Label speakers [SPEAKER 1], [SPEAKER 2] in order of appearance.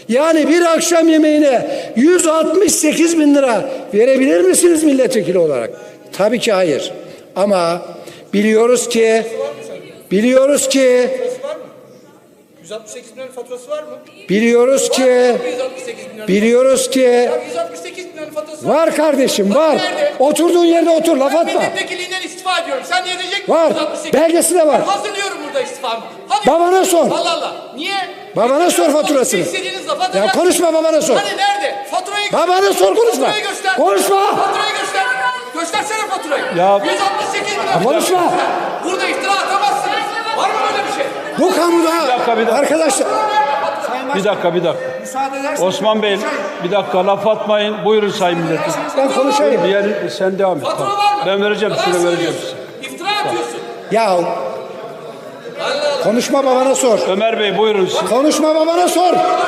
[SPEAKER 1] Yani bir akşam yemeğine 168 bin lira verebilir misiniz milletvekili olarak? Tabii ki hayır. Ama biliyoruz ki
[SPEAKER 2] 168 milyon faturası var mı?
[SPEAKER 1] biliyoruz ki
[SPEAKER 2] Ya 168 milyon faturası var.
[SPEAKER 1] var kardeşim, var.
[SPEAKER 2] Nerede?
[SPEAKER 1] Oturduğun yerde otur, laf
[SPEAKER 2] Ben
[SPEAKER 1] atma.
[SPEAKER 2] milletvekiliğinden istifa ediyorum. Sen niye diyecek misin?
[SPEAKER 1] Var.
[SPEAKER 2] 168.
[SPEAKER 1] Belgesi de var.
[SPEAKER 2] Ben hazırlıyorum burada istifamı. Hadi.
[SPEAKER 1] Babana sor.
[SPEAKER 2] Allah Allah. Niye?
[SPEAKER 1] Babana sor faturasını.
[SPEAKER 2] İstediğiniz lafa
[SPEAKER 1] Ya
[SPEAKER 2] atacaksın.
[SPEAKER 1] konuşma, babana sor.
[SPEAKER 2] Hani nerede? Faturayı
[SPEAKER 1] Babana sor, konuşma.
[SPEAKER 2] Faturayı göster.
[SPEAKER 1] Konuşma.
[SPEAKER 2] Faturayı göster. Göstersene faturayı.
[SPEAKER 3] Ya-
[SPEAKER 2] 168 milyon.
[SPEAKER 1] Konuşma.
[SPEAKER 2] Burada iftira atamazsınız. Var mı böyle bir şey?
[SPEAKER 1] Bu kamuda
[SPEAKER 3] bir dakika.
[SPEAKER 1] arkadaşlar
[SPEAKER 3] Bir dakika.
[SPEAKER 1] müsaade edersen
[SPEAKER 3] Osman Bey bir dakika laf atmayın. Buyurun sayın milletim.
[SPEAKER 1] ben konuşayım.
[SPEAKER 3] Diğer sen devam et.
[SPEAKER 2] Fatura
[SPEAKER 3] Tamam.
[SPEAKER 2] var mı?
[SPEAKER 3] Ben vereceğim
[SPEAKER 2] Yalan
[SPEAKER 3] size vereceğim.
[SPEAKER 2] söylüyorsun. İftira atıyorsun.
[SPEAKER 1] Ya konuşma, babana sor.
[SPEAKER 3] Ömer Bey buyurun.
[SPEAKER 1] Konuşma, babana sor.